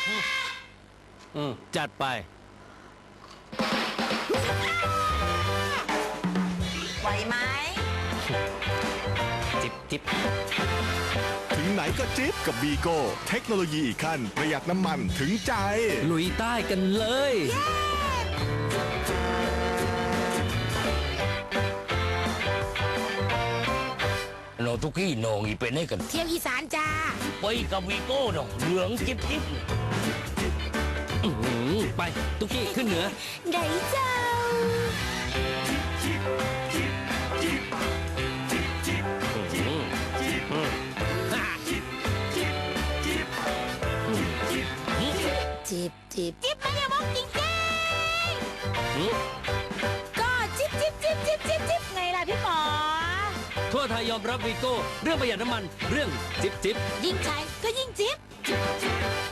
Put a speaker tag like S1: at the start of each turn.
S1: จัดไป
S2: ไหวไหม
S1: จิบ
S3: ถึงไหนก็จิ๊บกับบีโก้เทคโนโลยีอีกขั้นประหยัดน้ำมันถึงใจ
S1: ลุยใต้กันเลย
S4: โนทุกี้โนงอีเป็นให้กัน
S2: เที่ยวอีสานจ้า
S4: ไปกับวีโก้ดอกเหลืองจิ๊บ
S1: ไปตุ๊กกี้ขึ้นเหนือ
S2: ได้เจ้าจิบมันอย่ามองจริงๆก็จิบไงล่ะพี่หมอ
S1: ทั่วไทยยอมรับวีโก้เรื่องประหยัดน้ำมันเรื่องจิบ
S2: ยิ่งใช้ก็ยิ่งจิบ